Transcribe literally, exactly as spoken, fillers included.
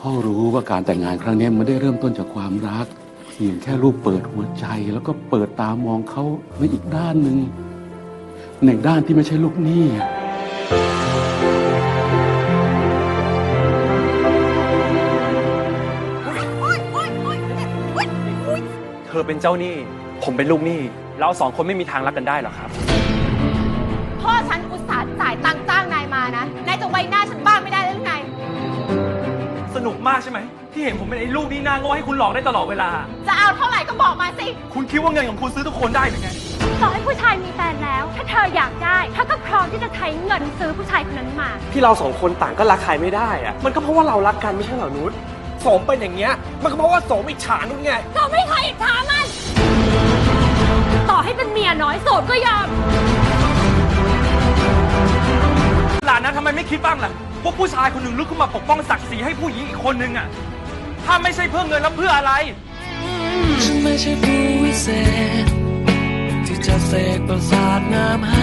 พ่อรู้ว่าการแต่งงานครั้งนี้มันได้เริ่มต้นจากความรักเพียงแค่ลูกเปิดหัวใจแล้วก็เปิดตามองเขาในอีกด้านหนึ่งในด้านที่ไม่ใช่ลูกหนี้เธอเป็นเจ้าหนี้ผมเป็นลูกหนี้เราสองคนไม่มีทางรักกันได้หรอกครับพ่อฉันอุตส่าห์จ่ายตังค์จ้างนายมานะนายจะไว้หน้าฉันบ้างไม่ได้หรือไงสนุกมากใช่ไหมที่เห็นผมเป็นไอ้ลูกหนี้หน้าโง่ให้คุณหลอกได้ตลอดเวลาจะเอาเท่าไหร่ก็บอกมาสิคุณคิดว่าเงินของคุณซื้อทุกคนได้หรือไงต่อให้ผู้ชายมีแฟนแล้วถ้าเธออยากได้เธอก็พร้อมที่จะใช้เงินซื้อผู้ชายคนนั้นมาที่เราสองคนต่างก็รักใครไม่ได้อะมันก็เพราะว่าเรารักกันไม่ใช่เหรอนุชสมเป็นอย่างเงี้ยมันก็เพราะว่าสมอิจฉานุชไงสมไม่เคยอิจฉามันต่อให้เป็นเมียน้อยโสดก็ยอมหลานนะทำไมไม่คิดบ้างล่ะว่าผู้ชายคนหนึ่งลุกขึ้นมาปกป้องศักดิ์ศรีให้ผู้หญิงอีกคนนึงอ่ะถ้าไม่ใช่เพื่อเงินแล้วเพื่ออะไรฉันไม่ใช่ผู้วิเศษที่จะเสกประสาทน้ำ